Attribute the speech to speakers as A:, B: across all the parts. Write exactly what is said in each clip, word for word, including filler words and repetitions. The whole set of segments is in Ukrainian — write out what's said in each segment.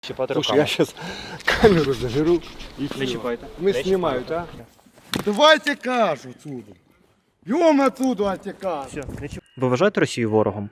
A: Чіпати
B: Слушай,
A: руками.
B: я сейчас камеру заберу и
A: Не
B: все.
A: чіпайте.
B: Мы
A: Не
B: снимают,
A: чіпайте.
B: а?
C: Давайте кашу отсюда. Бьем отсюда кашу.
A: Все, не чіп... Ви вважаєте Росію ворогом?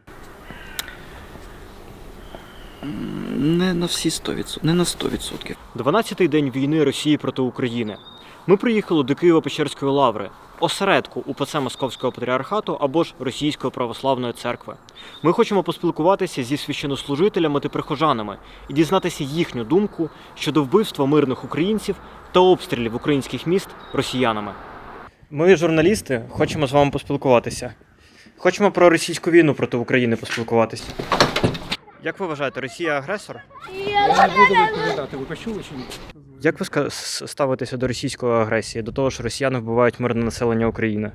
D: Не на всі сто відсотків, не на сто відсотків.
A: дванадцятий день війни Росії проти України. Ми приїхали до Києво-Печерської лаври, осередку УПЦ Московського патріархату або ж Російської православної церкви. Ми хочемо поспілкуватися зі священнослужителями та прихожанами і дізнатися їхню думку щодо вбивства мирних українців та обстрілів українських міст росіянами. Ми, журналісти, хочемо з вами поспілкуватися. Хочемо про російську війну проти України поспілкуватися. Як ви вважаєте, Росія агресор?
B: Я не буду відповідати, ви почули чи ні?
A: Як ви ска- с- ставитеся до російської агресії, до того, що росіяни вбивають мирне населення України?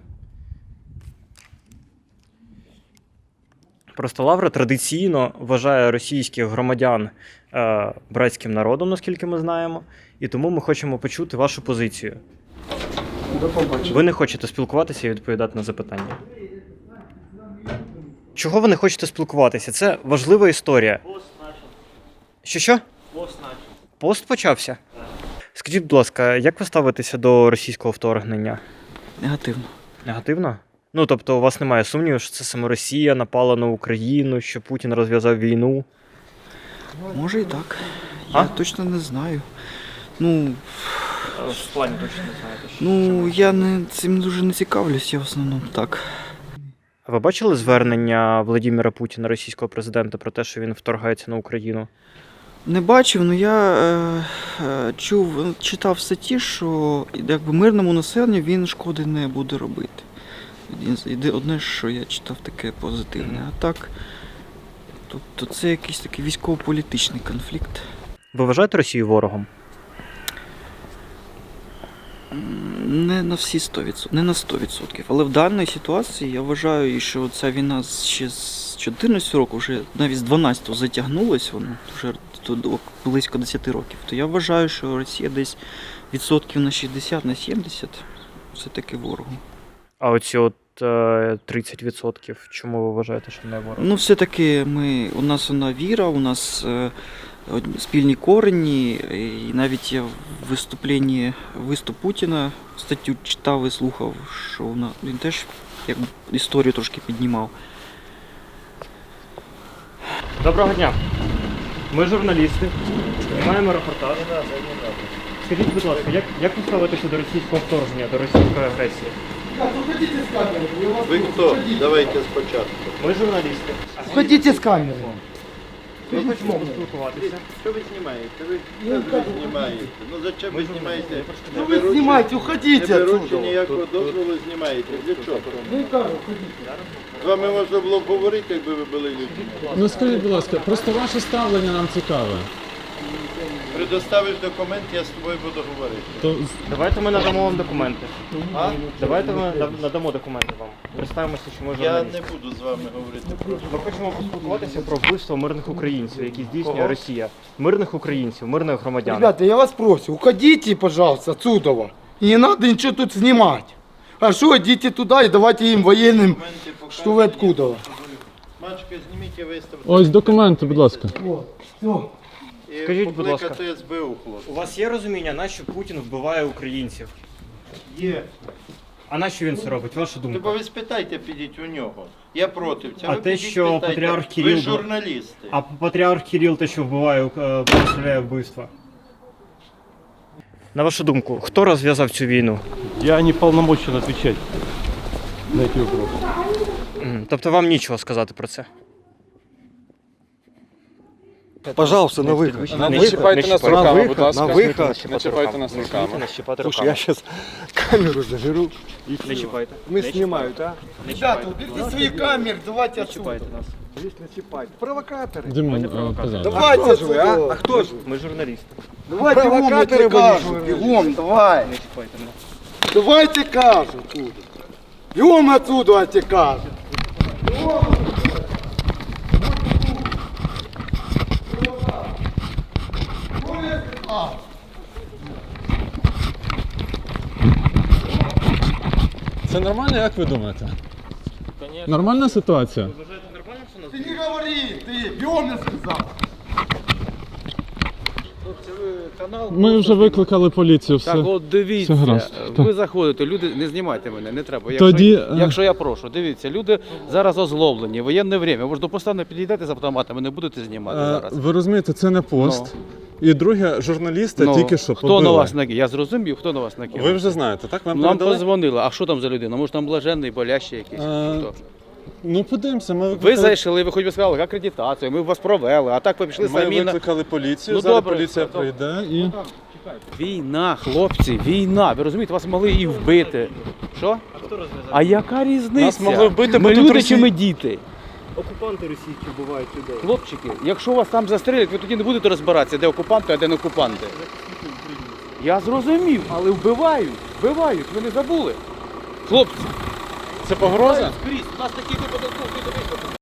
A: Просто Лавра традиційно вважає російських громадян е, братським народом, наскільки ми знаємо, і тому ми хочемо почути вашу позицію.
B: До побачення.
A: Ви не хочете спілкуватися і відповідати на запитання. Чого ви не хочете спілкуватися? Це важлива історія. Що що? Пост почався? Скажіть, будь ласка, як ви ставитеся до російського вторгнення?
D: Негативно.
A: Негативно? Ну, тобто у вас немає сумніву, що це саме Росія напала на Україну, що Путін розв'язав війну?
D: Може і так.
A: А?
D: Я точно не знаю. Ну,
A: В плані точно не знаєте.
D: ну я не цим дуже не цікавлюсь, я в основному так.
A: А ви бачили звернення Владимира Путіна, російського президента, про те, що він вторгається на Україну?
D: Не бачив, але я е, е, чув, читав в статті, що якби мирному населенню він шкоди не буде робити. Єди- Одне, що я читав таке позитивне. А так, тобто це якийсь такий військово-політичний конфлікт.
A: Ви вважаєте Росію ворогом?
D: Не на всі сто відсотків, не на сто відсотків. Але в даній ситуації я вважаю, що ця війна ще з чотирнадцятого року, вже навіть з дванадцятого затягнулась, вона вже тут близько десять років. То я вважаю, що Росія десь відсотків на шістдесят, на сімдесят все-таки ворогом.
A: А оці от е, тридцять відсотків, чому ви вважаєте, що не ворог?
D: Ну, все-таки ми, у нас вона віра, у нас е, одні- спільні корені, і навіть я в виступленні виступ Путіна статтю читав і слухав, що вона, він теж як історію трошки піднімав.
A: Доброго дня. Ми журналісти, знімаємо репортаж. Скажіть, будь ласка, як, як ви ставитеся до російського вторгнення, до російської агресії?
E: Ви хто? Давайте спочатку.
A: Ми журналісти.
C: Уходите с камеры.
A: Ми хочемо поспілкуватися.
E: Що ви знімаєте? Ви що ви знімаєте? Ну зачем ви знімаєте?
C: Ну вы снимайте,
E: Не
C: уходите
E: беручи
C: отсюда.
E: ніякого дозволу, знімаєте. Для чого? З вами можна було б говорити, якби ви були людьми.
F: Ну скажіть, будь ласка, просто ваше ставлення нам цікаве.
E: Предоставиш документ, я з тобою буду говорити.
F: То
A: Давайте ми надамо вам документи.
E: А?
A: Давайте ми над- надамо документи вам. Представимося, що ми
E: Я
A: журналісти.
E: не буду з вами говорити. Просто.
A: Ми хочемо поспілкуватися про вбивство мирних українців, які здійснює Росія. Мирних українців, мирних громадян.
C: Ребята, я вас прошу, уходите, пожалуйста, отсюда. И не надо ничего тут снимать. Хорошо, идите туда и давайте им военным,
E: Документи покажете,
C: что вы откуда.
E: я покажу. Мачка, зніміть і виставте.
F: ось документи, будь ласка.
C: Вот, все.
E: І
A: Скажіть, будь ласка.
E: покликати ес бе у, хлопці.
A: У вас є розуміння, нащо Путін вбиває українців?
E: Є.
A: А нащо він це робить? Ваша
E: Тобто
A: думка?
E: ви спитайте, підіть у нього. Я проти. Це
A: А
E: ви
A: те,
E: підіть,
A: що
E: питайте.
A: патріарх
E: Ви
A: Кирил-
E: журналісти.
A: А патріарх Кирил те, що вбиває, е, представляє вбивства? На вашу думку, хто розв'язав цю війну?
G: Я не полномочен отвечать на эти вопросы.
A: Мгм. Тобто вам нічого сказати про це?
B: Пожалуйста, на выход.
A: Не
B: На
A: чіпайте
B: выход.
A: нас
B: На
A: руками,
B: выход,
A: будь ласка.
B: на
A: Не
B: выход.
A: чіпайте нас руками. Не чіпайте
B: Слушай, я сейчас камеру заберу и
A: Не
B: все.
A: чіпайте.
B: Мы снимают, а?
C: Ребята, уберите свои камеры, давайте отсюда.
A: нас.
B: Здесь начипать. Провокаторы.
F: Димон, е, казав.
C: Давайте
B: Кто же вы, а? А
C: отсюда.
B: кто же?
A: Ми журналісти.
C: Давай бегом, я
B: Провокаторы
C: тебе
B: были
C: кажу,
B: журналисты.
C: бегом, давай.
A: Не чіпайте нас.
C: Давайте кажу отсюда. Бегом отсюда, я тебе кажу.
F: Це нормально, як ви думаєте? Нормальна ситуація?
C: Ты не говори, ты, бегом, я сказал.
H: Канал
F: Ми вже викликали поліцію, все.
H: Так, от дивіться,
F: все гаразд.
H: ви
F: Так.
H: заходите, люди, не знімайте мене, не треба. Якщо,
F: Тоді, е,
H: якщо я прошу, дивіться, люди зараз озлоблені, воєнне время. Ви ж до поста не підійдете з автоматами, не будете знімати
F: Е,
H: зараз.
F: Ви розумієте, це не пост. І друге, журналіста
H: Ну,
F: тільки що
H: хто
F: побили.
H: на вас накинув? Я зрозумів, хто на вас накинув.
F: Ви вже знаєте, так? Вам
H: Нам
F: передали?
H: подзвонили, а що там за людина? Може там блаженний, болящий якийсь?
F: Е,
H: Хто?
F: Ну, подивимося, ми
H: Ви
F: викликали,
H: зайшли, ви хоч би сказали акредитацію, ми вас провели, а так ви пішли
F: ми
H: самі на...
F: викликали поліцію,
H: Ну,
F: зараз
H: добре,
F: поліція
H: добре.
F: прийде і...
H: Війна, хлопці, війна. Ви розумієте, вас могли і вбити. Що? А яка різниця?
F: Нас могли вбити, бо
H: ми
F: тут
H: люди
F: Росії-
H: чи ми діти?
A: Окупанти російські вбивають людей.
H: Хлопчики, якщо вас там застрелять, ви тоді не будете розбиратися, де окупанти, а де не окупанти. Я зрозумів, але вбивають, вбивають, ви не забули. Хлопці,
F: Це погроза?
H: скрізь, у нас такий випадок був, ви